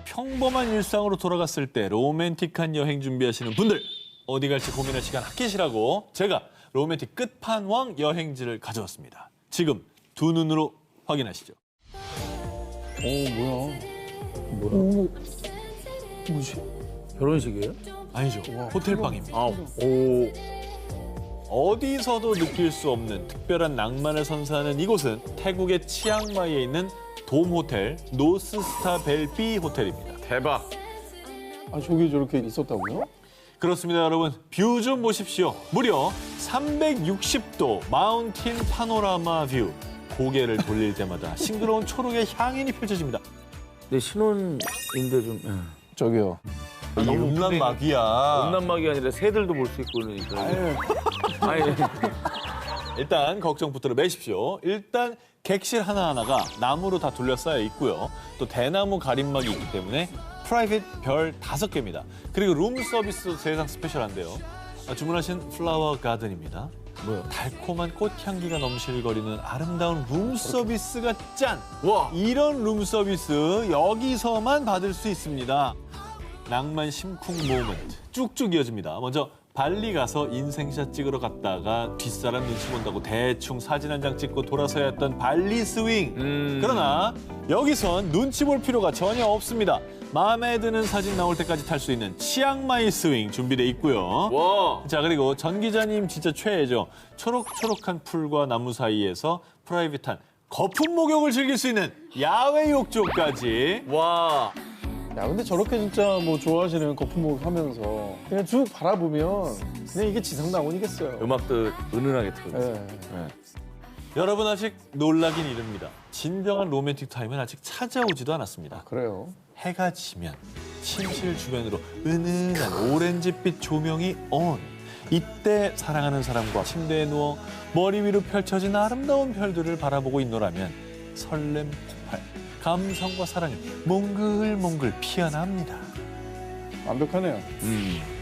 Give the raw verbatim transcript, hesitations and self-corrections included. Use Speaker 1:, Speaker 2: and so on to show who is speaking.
Speaker 1: 평범한 일상으로 돌아갔을 때 로맨틱한 여행 준비하시는 분들, 어디 갈지 고민할 시간 아끼시라고 제가 로맨틱 끝판왕 여행지를 가져왔습니다. 지금 두 눈으로 확인하시죠.
Speaker 2: 오, 뭐야.
Speaker 3: 뭐야?
Speaker 2: 오, 뭐지?
Speaker 3: 결혼식이에요?
Speaker 1: 아니죠. 호텔방입니다.
Speaker 3: 아, 오.
Speaker 1: 어디서도 느낄 수 없는 특별한 낭만을 선사하는 이곳은 태국의 치앙마이에 있는 돔호텔 노스스타 벨비 호텔입니다.
Speaker 3: 대박.
Speaker 2: 아, 저기 저렇게 있었다고요?
Speaker 1: 그렇습니다, 여러분. 뷰 좀 보십시오. 무려 삼백육십 도 마운틴 파노라마 뷰. 고개를 돌릴 때마다 싱그러운 초록의 향연이 펼쳐집니다.
Speaker 3: 내 신혼인데 좀. 예.
Speaker 2: 저기요.
Speaker 1: 이 음란막이야.
Speaker 3: 음란막이 아니라 새들도 볼 수 있고 그러니까.
Speaker 2: 아유,
Speaker 3: 아니,
Speaker 1: 일단 걱정부터 매십시오. 일단 객실 하나하나가 나무로 다 둘러싸여 있고요. 또 대나무 가림막이 있기 때문에 프라이빗 별 다섯 개입니다. 그리고 룸 서비스도 세상 스페셜한데요. 아, 주문하신 플라워 가든입니다.
Speaker 3: 뭐야?
Speaker 1: 달콤한 꽃향기가 넘실거리는 아름다운 룸 서비스가 짠!
Speaker 3: 와.
Speaker 1: 이런 룸 서비스 여기서만 받을 수 있습니다. 낭만 심쿵 모멘트 쭉쭉 이어집니다. 먼저 발리 가서 인생샷 찍으러 갔다가 뒷사람 눈치 본다고 대충 사진 한 장 찍고 돌아서야 했던 발리 스윙.
Speaker 3: 음.
Speaker 1: 그러나 여기선 눈치 볼 필요가 전혀 없습니다. 마음에 드는 사진 나올 때까지 탈 수 있는 치앙마이 스윙 준비돼 있고요.
Speaker 3: 와.
Speaker 1: 자, 그리고 전 기자님 진짜 최애죠. 초록초록한 풀과 나무 사이에서 프라이빗한 거품 목욕을 즐길 수 있는 야외 욕조까지.
Speaker 3: 와.
Speaker 2: 야, 근데 저렇게 진짜 뭐 좋아하시는 거품목 하면서 그냥 쭉 바라보면 그냥 이게 지상낙원이겠어요.
Speaker 3: 음악도 은은하게 틀고.
Speaker 2: 예.
Speaker 3: 네.
Speaker 1: 여러분 아직 놀라긴 이릅니다. 진정한 로맨틱 타임은 아직 찾아오지도 않았습니다.
Speaker 2: 그래요.
Speaker 1: 해가 지면 침실 주변으로 은은한 오렌지빛 조명이 온. 이때 사랑하는 사람과 침대에 누워 머리 위로 펼쳐진 아름다운 별들을 바라보고 있노라면 설렘 폭발, 감성과 사랑이 몽글몽글 피어납니다.
Speaker 2: 완벽하네요.
Speaker 3: 음.